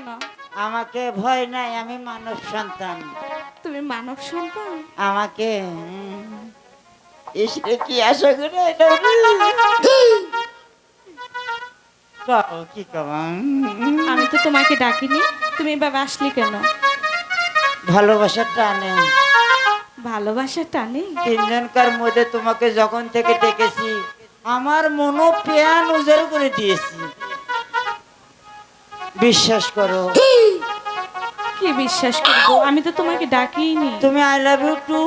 না? আমাকে ভয় নাই, আমি মানব সন্তান। তুমি মানব সন্তান? আমাকে এসে কি আশা করে কি কব? আমি তো তোমাকে ডাকিনি, তুমি এভাবে আসলি কেন? ভালোবাসার টানে, ভালোবাসা টানে? তিনজনকার মধ্যে তোমাকে যখন থেকে ডেকেছি আমার মনো প্যান উজাড় করে দিয়েছি। বিশ্বাস করো। কি বিশ্বাস করবো? আমি তো তোমাকে ডাকিনি। তুমি আই লাভ ইউ টু।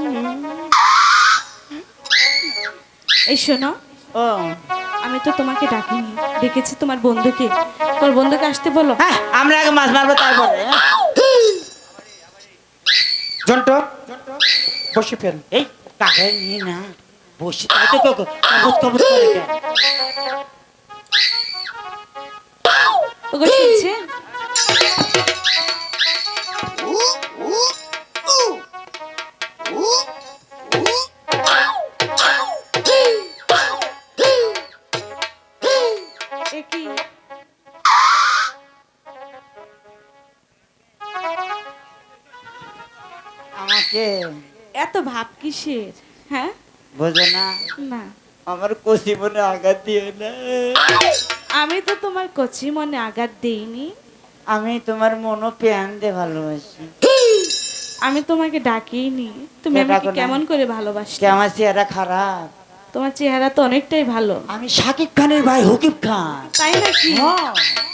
এই শোনো, ও আমি তো তোমাকে ডাকিনি, ডেকেছি তোমার বন্ধুকে। তোর বন্ধুকে আসতে বলো। হ্যাঁ, আমরা আগে মাছ মারবো তারপরে। জন্টু বসে ফেল। এই কাকে নিয়ে না বসে তাই তো কবত কবত করে কেন? ওগো শুনছে? এ কি? আমাকে এত ভাব কিসের? হ্যাঁ, বোঝো না? না, আমার কচি মনে আঘাত দিও না। আমি তো তোমার কচি মনে আঘাত দেইনি। আমি তোমার মনো প্যান দিয়ে ভালোবাসি। আমি তোমাকে ডাকিনি। তুমি কে আমাকে ডাকো না? কেমন করে ভালোবাসো? কে আমার চেহারা খারাপ? তোমার চেহারা তো অনেকটাই ভালো। আমি শাকিব খানের ভাই হুকিব খান। তাই নাকি? হ্যাঁ।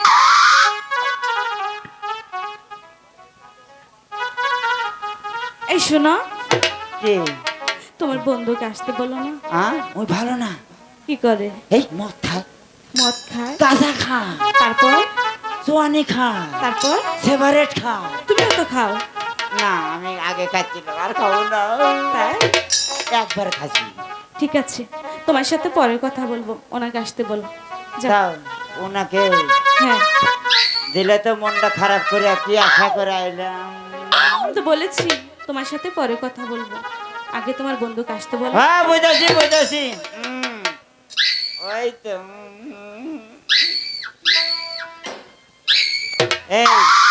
এই শোনো, কে? তোমার বন্ধুকে আসতে বলো না। ওই ভালো না। কি করে? এই মদ খায়, মদ খায়? গাঁজা খায়, তারপর? জোয়ানি খায়, তারপর? সেভারেট খায়। তুমিও তো খাও। না, আমি আগে খাচ্ছিলাম, আর খাবো না। তাই? একবার খাচ্ছি। ঠিক আছে, তোমার সাথে পরে কথা বলবো, ওনাকে আসতে বলো। যাও। যাও, ওনাকে হ্যাঁ, দিলে তো মনটা খারাপ করে কি আশা করে আইলাম। আমি তো বলেছি তোমার সাথে পরে কথা বলবো, আগে তোমার বন্ধুকে আসতে বলো। হ্যাঁ, বুঝেছি বুঝেছি। ওই তো। এই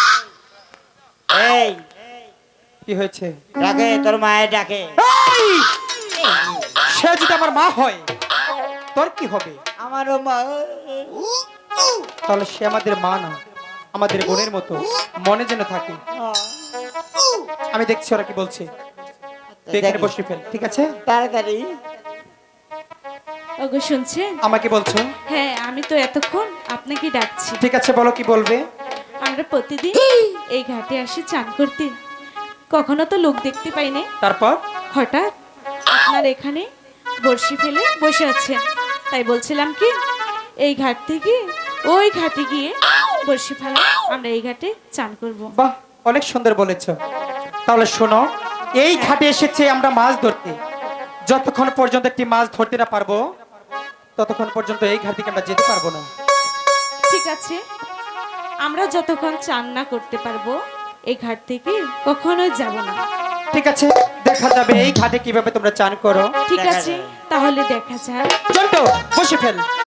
এই কি হয়েছে? ডাকে, তোর মায়ের ডাকে। এই! সে যদি আমার মা হয় তোর কি হবে? আমারও মা। তাহলে সে আমাদের মা না, আমাদের বোনের মতো মনে যেন থাকে। আমি দেখছি ওরা কি বলছে। তুই এখানে বসে ফেল, ঠিক আছে? তাড়াতাড়ি। ওগো শুনছেন? আমাকে বলছো? হ্যাঁ, আমি তো এতক্ষণ আপনাকে ডাকছি। ঠিক আছে, বলো কি বলবে। আমরা প্রতিদিন এই ঘাটে আসি চান করতে, কখনো তো লোক দেখতে পাই না। তারপর? হঠাৎ আপনার এখানে বড়শি ফেলে বসে আছেন, তাই বলছিলাম কি এই ঘাট থেকে ওই ঘাটে গিয়ে বড়শি ফেলা, আমরা এই ঘাটে চান করব। বাহ, অনেক সুন্দর বলেছ। তাহলে শোনো, এই ঘাটে এসেছে আমরা মাছ ধরতে। যতক্ষণ পর্যন্ত একটি মাছ ধরতে না পারবো ততক্ষণ পর্যন্ত এই ঘাট থেকে আমরা যেতে পারবো না। ঠিক আছে, আমরা যতক্ষণ চান না করতে পারবো এই ঘাট থেকে কখনোই যাব না। ঠিক আছে, দেখা যাবে এই ঘাটে কিভাবে তোমরা চান করো। ঠিক দেখা আছে, যাবে। তাহলে দেখা যাক। চন্টু বসে ফেল।